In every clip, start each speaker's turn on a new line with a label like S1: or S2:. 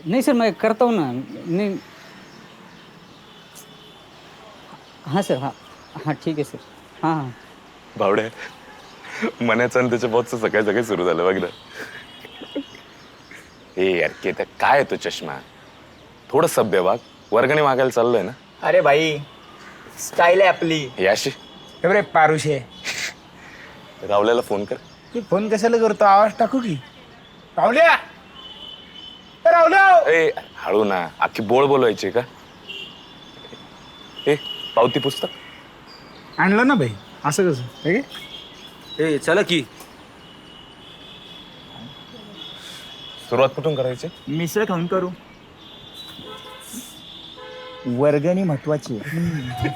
S1: नहीं सर, मैं करता हूँ ना। नहीं। हाँ सर, हाँ। हाँ ठीक है सर। हाँ हाँ।
S2: भावड्या मनाचं आणि त्याच्या बॉसचं सकाळी सकाळी सुरू झालं बघ ना. ए यार केत काय तो चष्मा थोडं सभ्य वाग वर्गणी मागायला चाललोय ना.
S3: अरे भाई स्टाईल आहे आपली.
S2: याशी
S4: रे पारुशे
S2: रावल्याला फोन कर.
S4: तू फोन कशाला करतो आवाज टाकू की रावल्या रावल्या
S2: ए हळू ना अख्खी बोळ बोलवायची का. ए पावती पुस्तक
S4: आणलं ना भाई असं कसं हे घे.
S3: ए चला की.
S2: सुरुवात कुठून करायची.
S3: मिसळ खाऊन करू. वर्गणी महत्वाची आहे.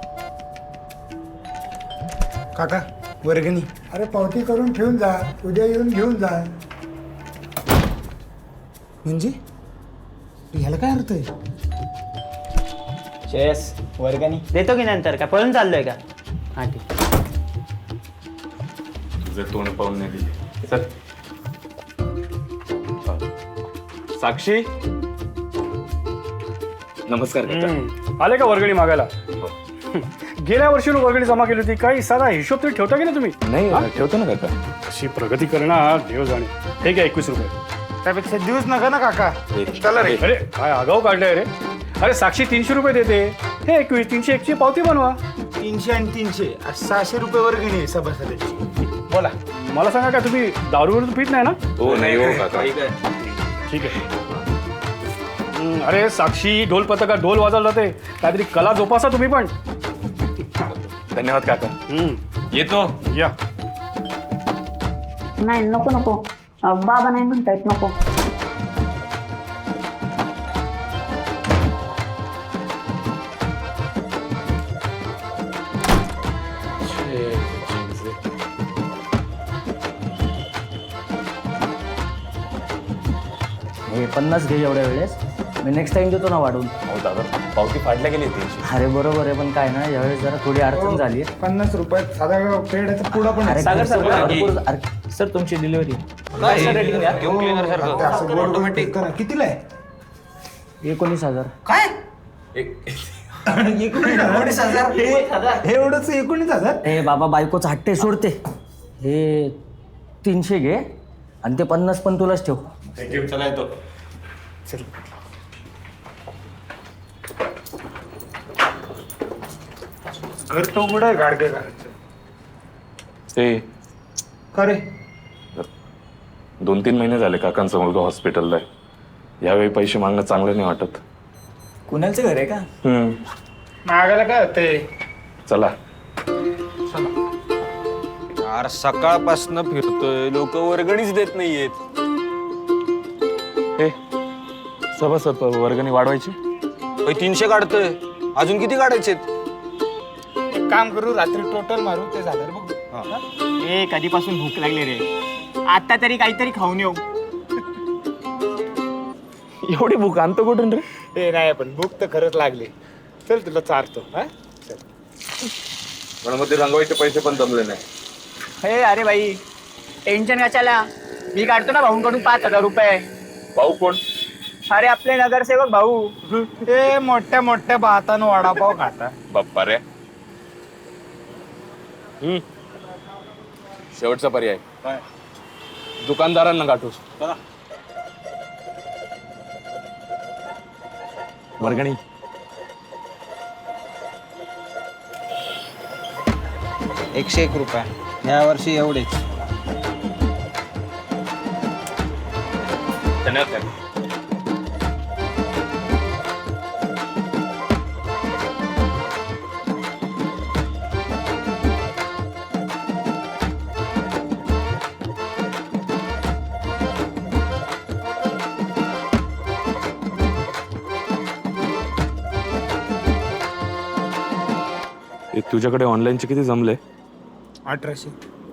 S4: काका वर्गणी
S5: अरे पावती करून ठेवून जा, उद्या येऊन घेऊन जा.
S4: म्हणजे ह्याला काय अर्थ आहे.
S3: चेस वर्गणी देतो की नंतर का पळून चाललोय का. हा ठीक.
S2: तुझं तोंड पाहून नाही दिले चल. साक्षी नमस्कार काका.
S6: आले का वर्गणी मागायला. गेल्या वर्षी वर्गणी जमा केली होती. काही साधा हिशोब तरी ठेवता की नाही तुम्ही.
S2: नाही ठेवतो ना काका.
S6: अशी प्रगती करणार देव जाणे. हे घ्या 21 रुपये.
S4: त्यापेक्षा दिवस नका ना काका. चला रे.
S6: अरे काय आगाऊ काढलंय रे. अरे साक्षी 300 रुपये देते. हे 21 301 ची पावती बनवा.
S4: 300 आणि 300 600 रुपये वर्गणी आहे सभासदाची. बोला.
S6: मला सांगा का तुम्ही दारू वगैरे पित नाही ना.
S2: हो नाही हो काका.
S6: ठीक आहे. अरे साक्षी ढोल पथका ढोल वाजवला जाते. काहीतरी कला जोपासा तुम्ही पण.
S2: धन्यवाद काका. येतो.
S6: या.
S7: नाही नको नको बाबा नाही म्हणतायत नको.
S3: हे 50 घे एवढ्या वेळेस. मी नेक्स्ट टाइम देतो ना वाढून.
S2: हो दादा पावती फाडल्या गेली 300.
S3: अरे बरोबर आहे पण काय ना यावेळेस जरा थोडी अडचण झाली.
S5: 50 रुपयात साधा पेढ्याचा पुडा पण आहे.
S3: सागर सर भरपूर. सर तुमची डिलिव्हरी.
S5: असं बोर्ड ऑटोमॅटिक करा. कितीला आहे.
S3: 19,000.
S5: काय 19,000 हे एवढंच 19,000.
S3: हे बाबा बायकोच हट्टे सोडते. हे 300 घे आणि ते 50 पण तुलाच ठेव.
S2: चला येतो.
S4: घर तो कुठं आहे गाडगे घराचं.
S2: ते
S4: का रे
S2: 2-3 महिने झाले काकांचा मुलगा हॉस्पिटलला आहे. यावेळी पैसे मागणं चांगलं नाही वाटत.
S3: कुणालचं घर आहे का.
S4: मागायला काय होतंय.
S2: चला.
S8: यार सकाळपासून फिरतोय लोक वर्गणीच देत नाहीयेत.
S2: हे सभासद वर्गणी वाढवायची.
S8: 300 काढतोय अजून किती काढायचे.
S4: एक काम करू रात्री टोटल मारू ते झालं बघ.
S3: ए कधीपासून भूक लागली रे. आता तरी काहीतरी खाऊन येऊ.
S2: एवढी भूक आणतो कुठून रे.
S4: ते नाही पण भूक तर खरंच लागली. चल तुला चारतो. हा चल.
S2: गणपती रंगवायचे पैसे पण जमले नाही.
S3: हे अरे भाई टेन्शन कशाला. मी काढतो ना भाऊंकडून 5,000 रुपये.
S2: भाऊ कोण.
S3: अरे आपले नगरसेवक भाऊ.
S4: ते मोठ्या मोठ्या भातानं वडापाव खाता.
S2: बाप्पा रे. शेवटचा पर्याय दुकानदारांना गाठूस. वर्गणी
S8: 101 रुपये या वर्षी एवढेच.
S2: धन्यवाद काका. तुझ्याकडे ऑनलाईनचे किती जमले.
S4: 1800.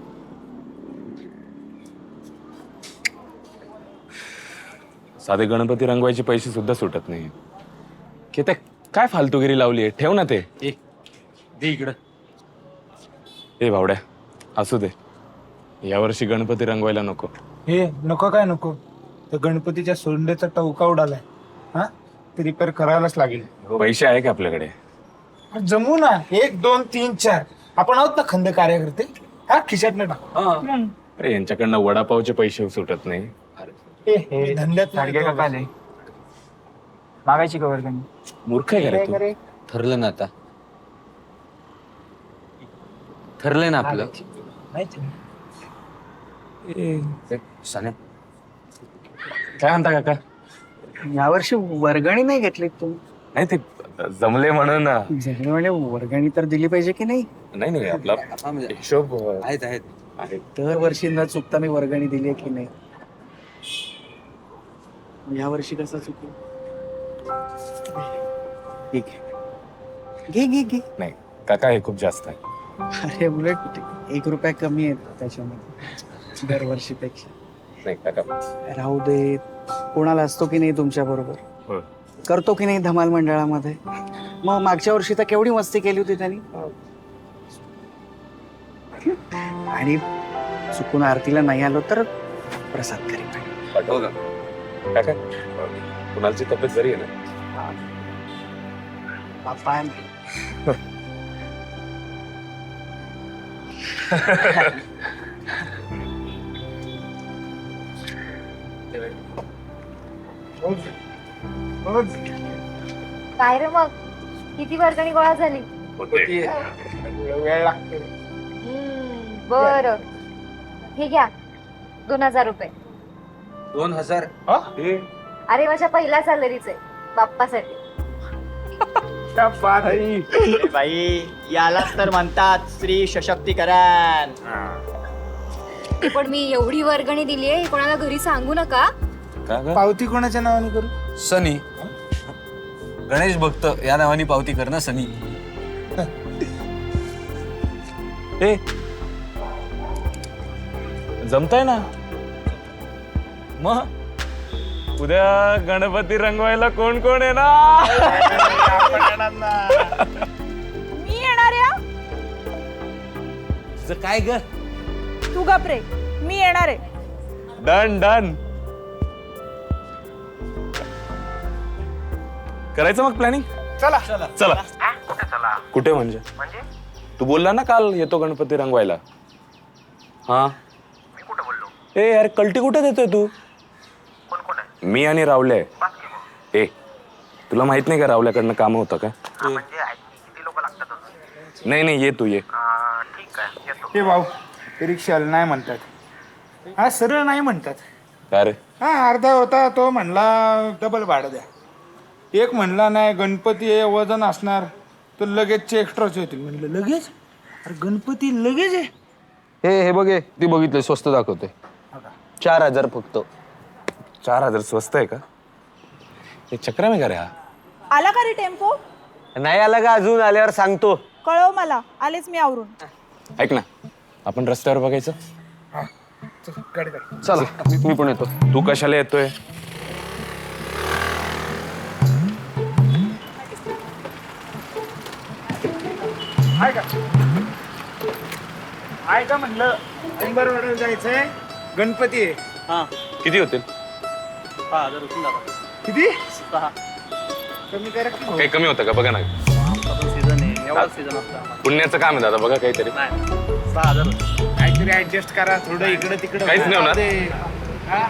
S2: साधे गणपती रंगवायचे पैसे सुद्धा सुटत नाही. की ते काय फालतूगिरी लावली आहे. ठेव ना ते.
S6: दे इकडं.
S2: ए भावड्या असू दे. यावर्षी गणपती रंगवायला नको.
S4: हे नको काय नको. तर गणपतीच्या सोंडेचा टवका उडालाय. हा ते रिपेअर करायलाच लागेल.
S2: पैसे आहे का आपल्याकडे?
S4: जमू ना. 1 2 3 4 आपण आहोत ना खंड कार्यकर्ते. हा खिशात न टाकू.
S2: अरे यांच्याकडनं वडापावचे पैसे सुटत नाही.
S4: धंद्यात नाही.
S1: मागायची कवर त्यांनी.
S2: मूर्ख आहे का रे तू?
S8: ठरलं ना आता. ठरलंय ना आपलं.
S4: माहिती नाही.
S8: साने
S2: काय म्हणता काका?
S1: यावर्षी वर्गणी नाही घेतली तुम्ही?
S2: नाही ते जमले म्हणून ना.
S1: म्हणजे वर्गणी तर दिली पाहिजे की नाही?
S2: नाही नाही आपला हिशोब
S8: आहेत आहेत.
S2: आहे.
S1: दरवर्षी न चुकता मी वर्गणी दिली आहे की नाही? यावर्षी कसं चुकू? ठीक आहे. घे.
S2: नाही काका हे खूप जास्त आहे.
S1: अरे उलट 1 रुपया कमी आहे त्याच्यामध्ये दरवर्षीपेक्षा.
S2: नाही काका.
S1: राहू दे. कोणाला असतो की नाही तुमच्या बरोबर?
S2: हो.
S1: करतो की नाही धमाल मंडळामध्ये? मग मागच्या वर्षी तर केवढी मस्ती केली होती त्यांनी. आणि चुकून आरतीला नाही आलो तर प्रसाद करी.
S2: पाठव का काका? कुणालची तब्येत बरी आहे ना?
S1: बाप्पा
S9: काय रे मग किती वर्गणी गोळा झाली?
S4: वेळ लागतो.
S9: बर हे घ्या 2000 रुपये.
S8: 2000.
S9: अरे माझ्या पहिल्या सॅलरीचे बाप्पासाठी.
S1: बाई यालाच तर म्हणतात स्त्री सशक्तीकरण.
S9: पण मी एवढी वर्गणी दिली आहे कोणाला घरी सांगू नका.
S2: काका
S4: पावती कोणाच्या नावाने करू?
S8: सनी गणेश भक्त या नावाने पावती कर ना सनी.
S2: ए जमताय ना मग उद्या गणपती रंगवायला कोण कोण आहे ना?
S10: मी येणार आहे.
S8: काय ग?
S10: तू घाबरे. मी येणार आहे.
S2: Done done. करायचं मग प्लॅनिंग.
S4: चला
S2: चला. कुठे म्हणजे? तू बोलला ना काल येतो गणपती रंगवायला. हा मी कुठे बोललो? ए अरे कल्टी कुठे देतोय तू? मी आणि रावले. ए तुला माहित नाही का रावल्याकडनं काम होतं का? नाही ये तू ये.
S4: हे भाऊ रिक्षाला नाही म्हणतात. हा सरळ नाही म्हणतात.
S2: काय रे?
S4: हा अर्धा होता तो म्हणला डबल भाडं द्या. एक म्हणला नाही गणपती आहे वजन असणार तर लगेचचे एक्स्ट्राचे होतील. म्हणलं लगेच? अरे गणपती लगेच आहे.
S8: हे बघे ती बघितलं स्वस्त दाखवते. 4000 फक्त.
S2: 4000 स्वस्त आहे का? हे चक्रा में का रे हा?
S10: आला का रे टेम्पो?
S8: नाही आला का अजून? आल्यावर सांगतो.
S10: कळव मला. आलेच मी आवरून.
S2: ऐक ना आपण रस्त्यावर बघायचं.
S4: हा चल, गाडी काढ.
S8: चला मी पण येतो.
S2: तू कशाला येतोय?
S4: आहे का म्हणलं अंबरवाड्याला जायचंय. गणपती आहे.
S2: किती होतील?
S4: किती? कमी करा की भाऊ.
S2: काही कमी होतं का बघा ना. पुण्याचं काम आहे दादा बघा काहीतरी.
S4: काहीतरी ऍडजस्ट करा थोडं इकडे तिकडे.
S2: काहीच नाही होणार.
S4: हा?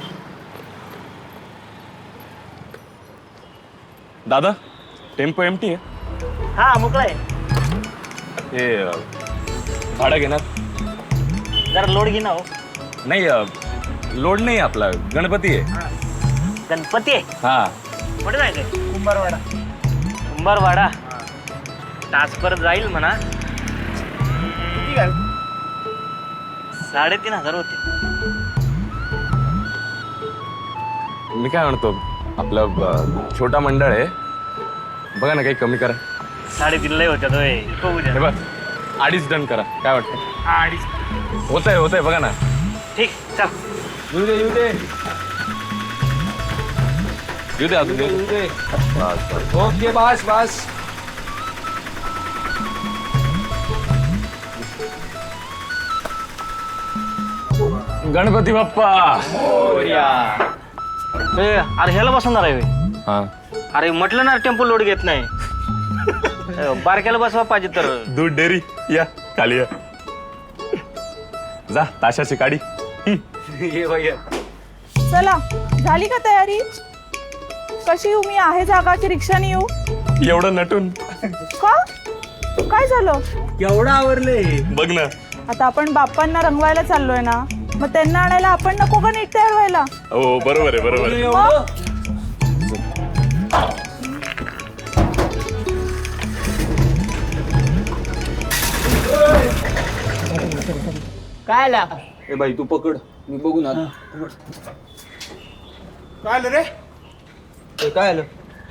S2: दादा टेम्पो एमटी आहे.
S1: हा मोकळा आहे.
S2: हे भाडं घेणार?
S1: जरा लोड घे ना. हो
S2: नाही लोड नाही आपला गणपती आहे.
S1: गणपती आहे.
S2: हा
S1: कुठे जायचंय?
S4: कुंभारवाडा.
S1: कुंभारवाडा. तासभर जाईल म्हणा.
S4: किती घाल?
S1: 3500 होते.
S2: मी काय म्हणतो आपलं छोटा मंडळ आहे बघा ना काही कमी करा.
S1: 3.5 लय होत्या.
S2: हे बघ 2.5 डन करा. काय वाटतं?
S4: 2.5.
S2: होतंय बघा ना.
S1: ठीक चल.
S2: येऊ दे अजून
S8: ओके बस.
S2: गणपती बाप्पा.
S3: अरे ह्याला बसवणार आहे होय?
S2: हा
S3: अरे म्हटलं ना टेम्पो लोड घेत नाही. बारक्याला बसवा पाहिजे तर.
S2: दूध डेअरी या खाली या. जा ताशाची काडी.
S10: चला झाली का तयारी? कशी येऊ मी? आहे जागा की रिक्षाने येऊ?
S2: एवढं नटून
S10: का? काय झालं?
S3: एवढं आवरले.
S2: बघ ना.
S10: आता आपण बाप्पांना रंगवायला चाललोय ना, मग त्यांना आणायला आपण नको का नीट तयार व्हायला?
S2: हो बरोबर आहे बरोबर आहे.
S10: मग?
S3: काय आला?
S5: ए बाई तू पकड, मी बघू ना.
S4: काय आलं रे?
S5: काय आलं?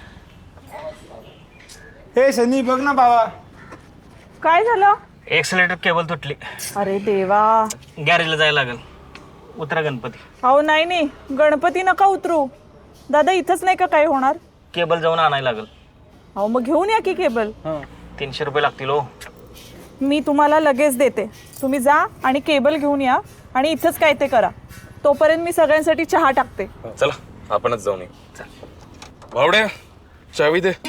S4: हे सनी बघ ना बाबा.
S10: काय झालं?
S3: एक्सलेटर केबल तुटली.
S10: अरे देवा.
S3: गॅरेजला जायला लागेल. उतरा गणपती.
S10: अहो नाही नाही, गणपती नका उतरू दादा. इथंच नाही का काय होणार?
S3: केबल जाऊन आणायला लागेल.
S10: अहो मग घेऊन या की केबल.
S3: 300 रुपये लागतील हो.
S10: मी तुम्हाला लगेच देते. तुम्ही जा आणि केबल घेऊन या आणि इथंच काय ते करा. तोपर्यंत मी सगळ्यांसाठी चहा टाकते.
S2: चला आपणच जाऊन येऊ. भावड्या चावी दे.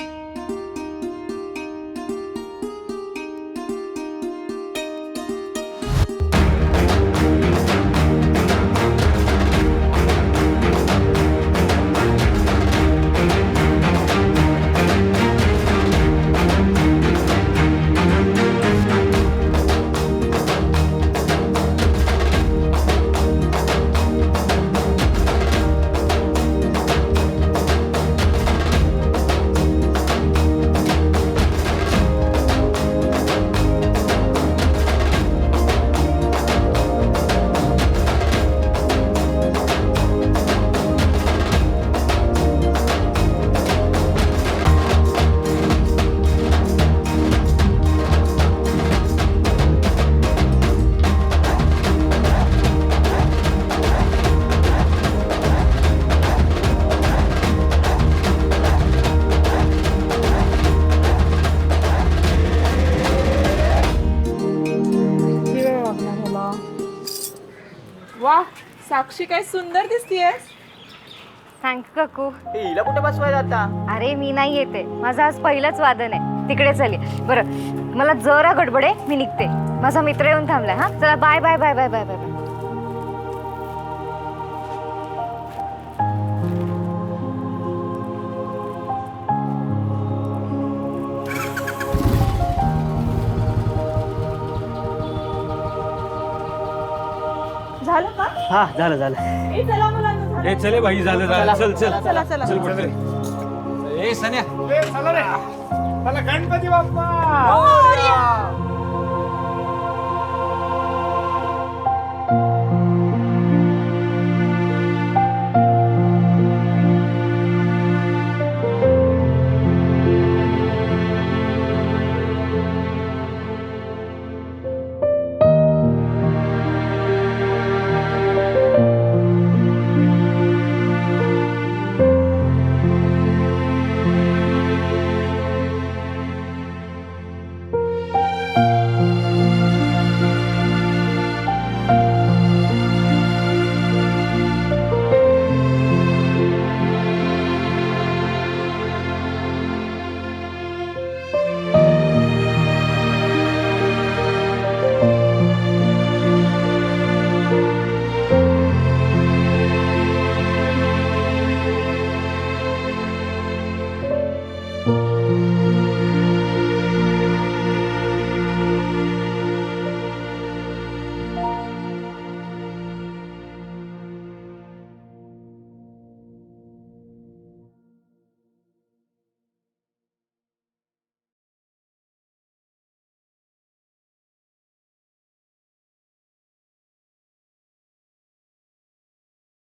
S10: वा साक्षी काय सुंदर दिसतीयेस.
S9: थँक्यू काकू.
S3: हिला कुठे बसवायला आता?
S9: अरे मी नाही येते, माझं आज पहिलंच वादन आहे. तिकडे चली. बरं मला जरा गडबड आहे, मी निघते. माझा मित्र येऊन थांबलाय. हा चला bye bye bye bye bye bye bye.
S10: झालं का?
S3: हा झालं झालं.
S10: ए, चला मुलांनो, झालं.
S8: चले भाई झालं झालं. चल चल
S10: चला चला
S8: ए सन्या
S4: ए, चला रे. चला गणपती बाप्पा.
S10: मोरया.